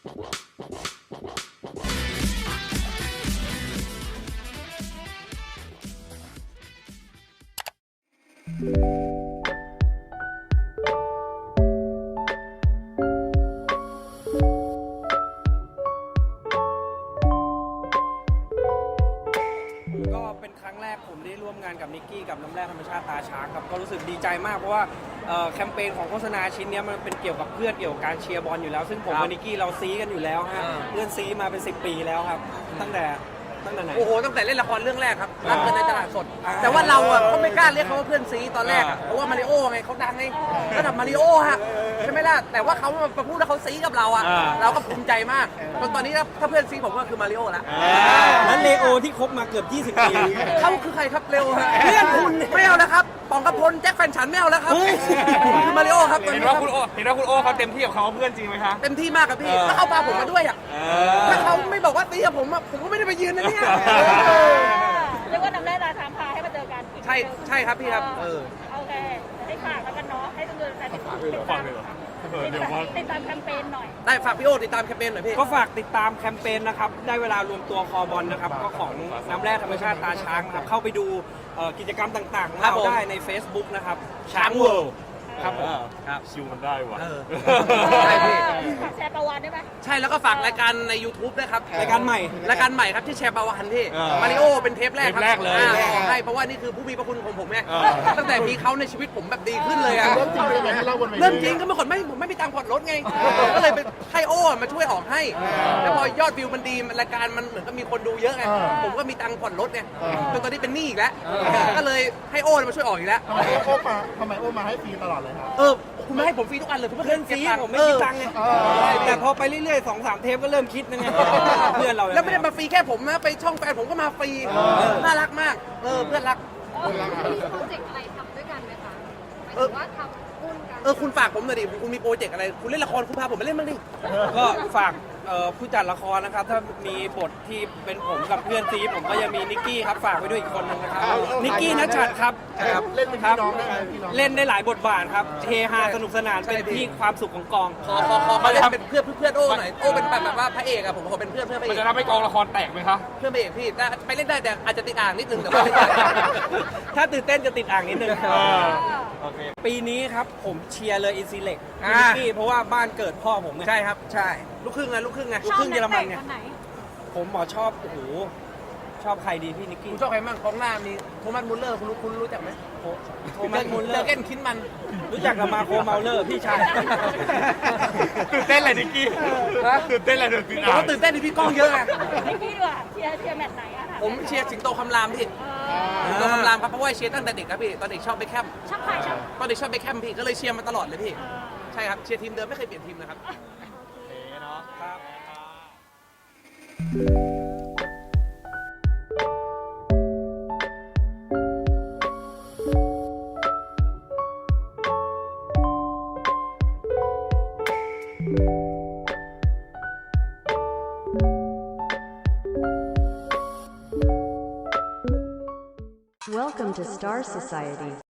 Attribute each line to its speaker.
Speaker 1: ก็เป็นครั้งแรกผมได้ร่วมงานกับนิกกี้กับน้ำแร่ธรรมชาติตาช้างครับก็รู้สึกดีใจมากเพราะว่าแคมเปญของโฆษณาชิ้นนี้มันเป็นเกี่ยวกับเพื่อนเกี่ยวกับการเชียร์บอลอยู่แล้วซึ่งผมกับนิกกี้เราซีกันอยู่แล้วฮะเพื่อนซีมาเป็น10 ปีแล้วครับตั้งแต่ไหน
Speaker 2: โอ้โหตั้งแต่เล่นละครเรื่องแรกครับรักกันในตลาดสดแต่ว่าเราอ่ะก็ไม่กล้าเรียกเขาว่าเพื่อนซีตอนแรกเพราะว่ามาริโอไงเขาดังไงระดับมาริโอฮะใช่ไหมล่ะแต่ว่าเขามาพูดแล้วเขาซีกับเราอ่ะเราก็ภูมิใจมากจนตอนนี้ถ้าเพื่อนซีผมก็คือมาริโอละ
Speaker 1: นั้นเลโอที่คบมาเกือบ20 ปี
Speaker 2: เขาคือใครครับเร็วฮะเพื่อนคุณไม่เอาแล้วครับปองกระพลแจ็คแฟนฉันไม่เอาแล้วครับคือมาริโอครับ
Speaker 3: เห็นว่าคุณโอเขาเต็มที่กับเขาเพื่อนจริงไหมคะ
Speaker 2: เต็มที่มากครับพี่ถ้าเขาพาผมมาด้วยอ่ะถ้าเขาไม่บอกว่าตีกับผมผมก็ไม่ได้ไปยืนนะเนี่ย
Speaker 4: เรียกว่าน้ำแร่ตาช้างพาให้มาเจอกัน
Speaker 2: ใช่ครับพี่ครับ
Speaker 4: โอเคให้ฝากแล้วกันเนาะให้ทุกคนติดตามแคมเปญหน่อย
Speaker 2: ได้ฝากพี่โอติดตามแคมเปญหน่อยพี่
Speaker 1: ก็ฝากติดตามแคมเปญนะครับได้เวลารวมตัวคอบอลนะครับก็ของน้ำแร่ธรรมชาติตาช้างครับเข้าไปดูกิจกรรมต่างๆเราได้ใน Facebook นะครับช้างเวิลด์ครับผม
Speaker 3: ครับชิวมันได้ว่ะ
Speaker 2: ใช่พี่
Speaker 4: แชร์ประวัติได้ไหม
Speaker 2: ใช่แล้วก็ฝากรายการใน YouTube ด้วยครับ
Speaker 1: รายการใหม่
Speaker 2: ครับที่แชร์ประวัติที่มาริโอเป็นเทปแรก
Speaker 3: เลย
Speaker 2: ใช่เพราะว่านี่คือผู้มีพระคุณของผมไงตั้งแต่มีเขาในชีวิตผมแบบดีขึ้นเลยอะเริ่มจริงก็เมื่อก่อนผมไม่มีตังค์ผ่อนรถไงก็เลยไปให้โอ้มาช่วยออกให้แล้วพอยอดวิวมันดีรายการมันเหมือนกับมีคนดูเยอะไงผมก็มีตังค์ผ่อนรถไงจนตอนนี้เป็นหนี้อีกแล้วก็เลยให้โอ้มาช่วยออกอีกแล้ว
Speaker 5: ทำไมโอ้มาให้ฟรีตลอดเลยครับ
Speaker 2: คุณไม่ให้ผมฟรีทุกอันเลยคุณ
Speaker 1: เพื่อนซีผมไม่มีตังค์ไงแต่พอไปเรื่อยๆ2-3 เทปก็เริ่มคิดนะไงเพื่อนเรา
Speaker 2: แล้วไม่ได้มาฟรีแค่ผมนะไปช่องแฟนผมก็มาฟรีน่ารักมากเพื่อนรัก
Speaker 4: มีโปรเจกต์อะไรทำด้วยกันไหมคะหมายถึงว่าทำหุ้นกัน
Speaker 2: คุณฝากผมหน่อยดิคุณมีโปรเจกต์อะไรคุณเล่นละครคุณพาผมไปเล่นบ้างดิ
Speaker 1: ก็ฝากผู้จัดละครนะครับถ้ามีบทที่เป็นผมกับเพื่อนซีผมก็ยังมีนิกกี้ครับฝากไว้ด้วยอีกคนนึงนะครับนิกกี้ณชัดครับ
Speaker 5: เล่นเป็นพี่น้องได้ไหม
Speaker 1: เล่นได้หลายบทบาทครับเฮฮาสนุกสนานเป็นที่ความสุขของกอง
Speaker 2: ขอมาเล่นเป็นเพื่อนโอ้หน่อยโอ้เป็นแบบว่าพระเอกอะผมขอเป็นเพื่อนพระเอก
Speaker 3: มันจะทำให้กองละครแตกไหมคะ
Speaker 2: เพื่อนพระเอกพี่ไปเล่นได้แต่อาจจะติดอ่างนิดนึงแต่ว่า
Speaker 1: ถ้าตื่นเต้นจะติดอ่างนิดนึงปีนี้ครับผมเชียร์เลยอินซีเล็กนิกกี้เพราะว่าบ้านเกิดพ่อผม
Speaker 2: ใช่ครับใช่ลูกครึ่งเยอรมันไง
Speaker 1: ผมชอบโอ้โหชอบใครดีพี่นิกกี้
Speaker 2: คุณชอบใครบ้างของหน้ามีโทมัสมุลเลอร์คุณรู้จักไหม
Speaker 1: โทมัสมุลเลอร์
Speaker 2: เจอเก้นคินมัน
Speaker 1: รู้จักกับมาโคเมาเลอร์พี่ชาย
Speaker 3: ตื่นเต้นอะไรนิกกี้ตื่นเต้นอะไร
Speaker 2: ตื่นเต้นที่พี่ก้องเยอะไง
Speaker 4: นิกกี้ดีกว่าเชียร์แมตช์ไหนอะ
Speaker 2: ผมเชียร์สิงโตคำรามพี่สิงโตคำรามครับเพราะว่าเชียร์ตั้งแต่เด็กครับพี่ตอนเด็กชอบเบคแฮม
Speaker 4: ชอบใคร
Speaker 2: ตอนเด็กชอบเบคแฮมพี่ก็เลยเชียร์มาตลอดเลยพี่ใช่ครับเชียร์ทีมเดิมไม่เคยเปลี่ยนทีมนะครับ
Speaker 6: Welcome to Star Society.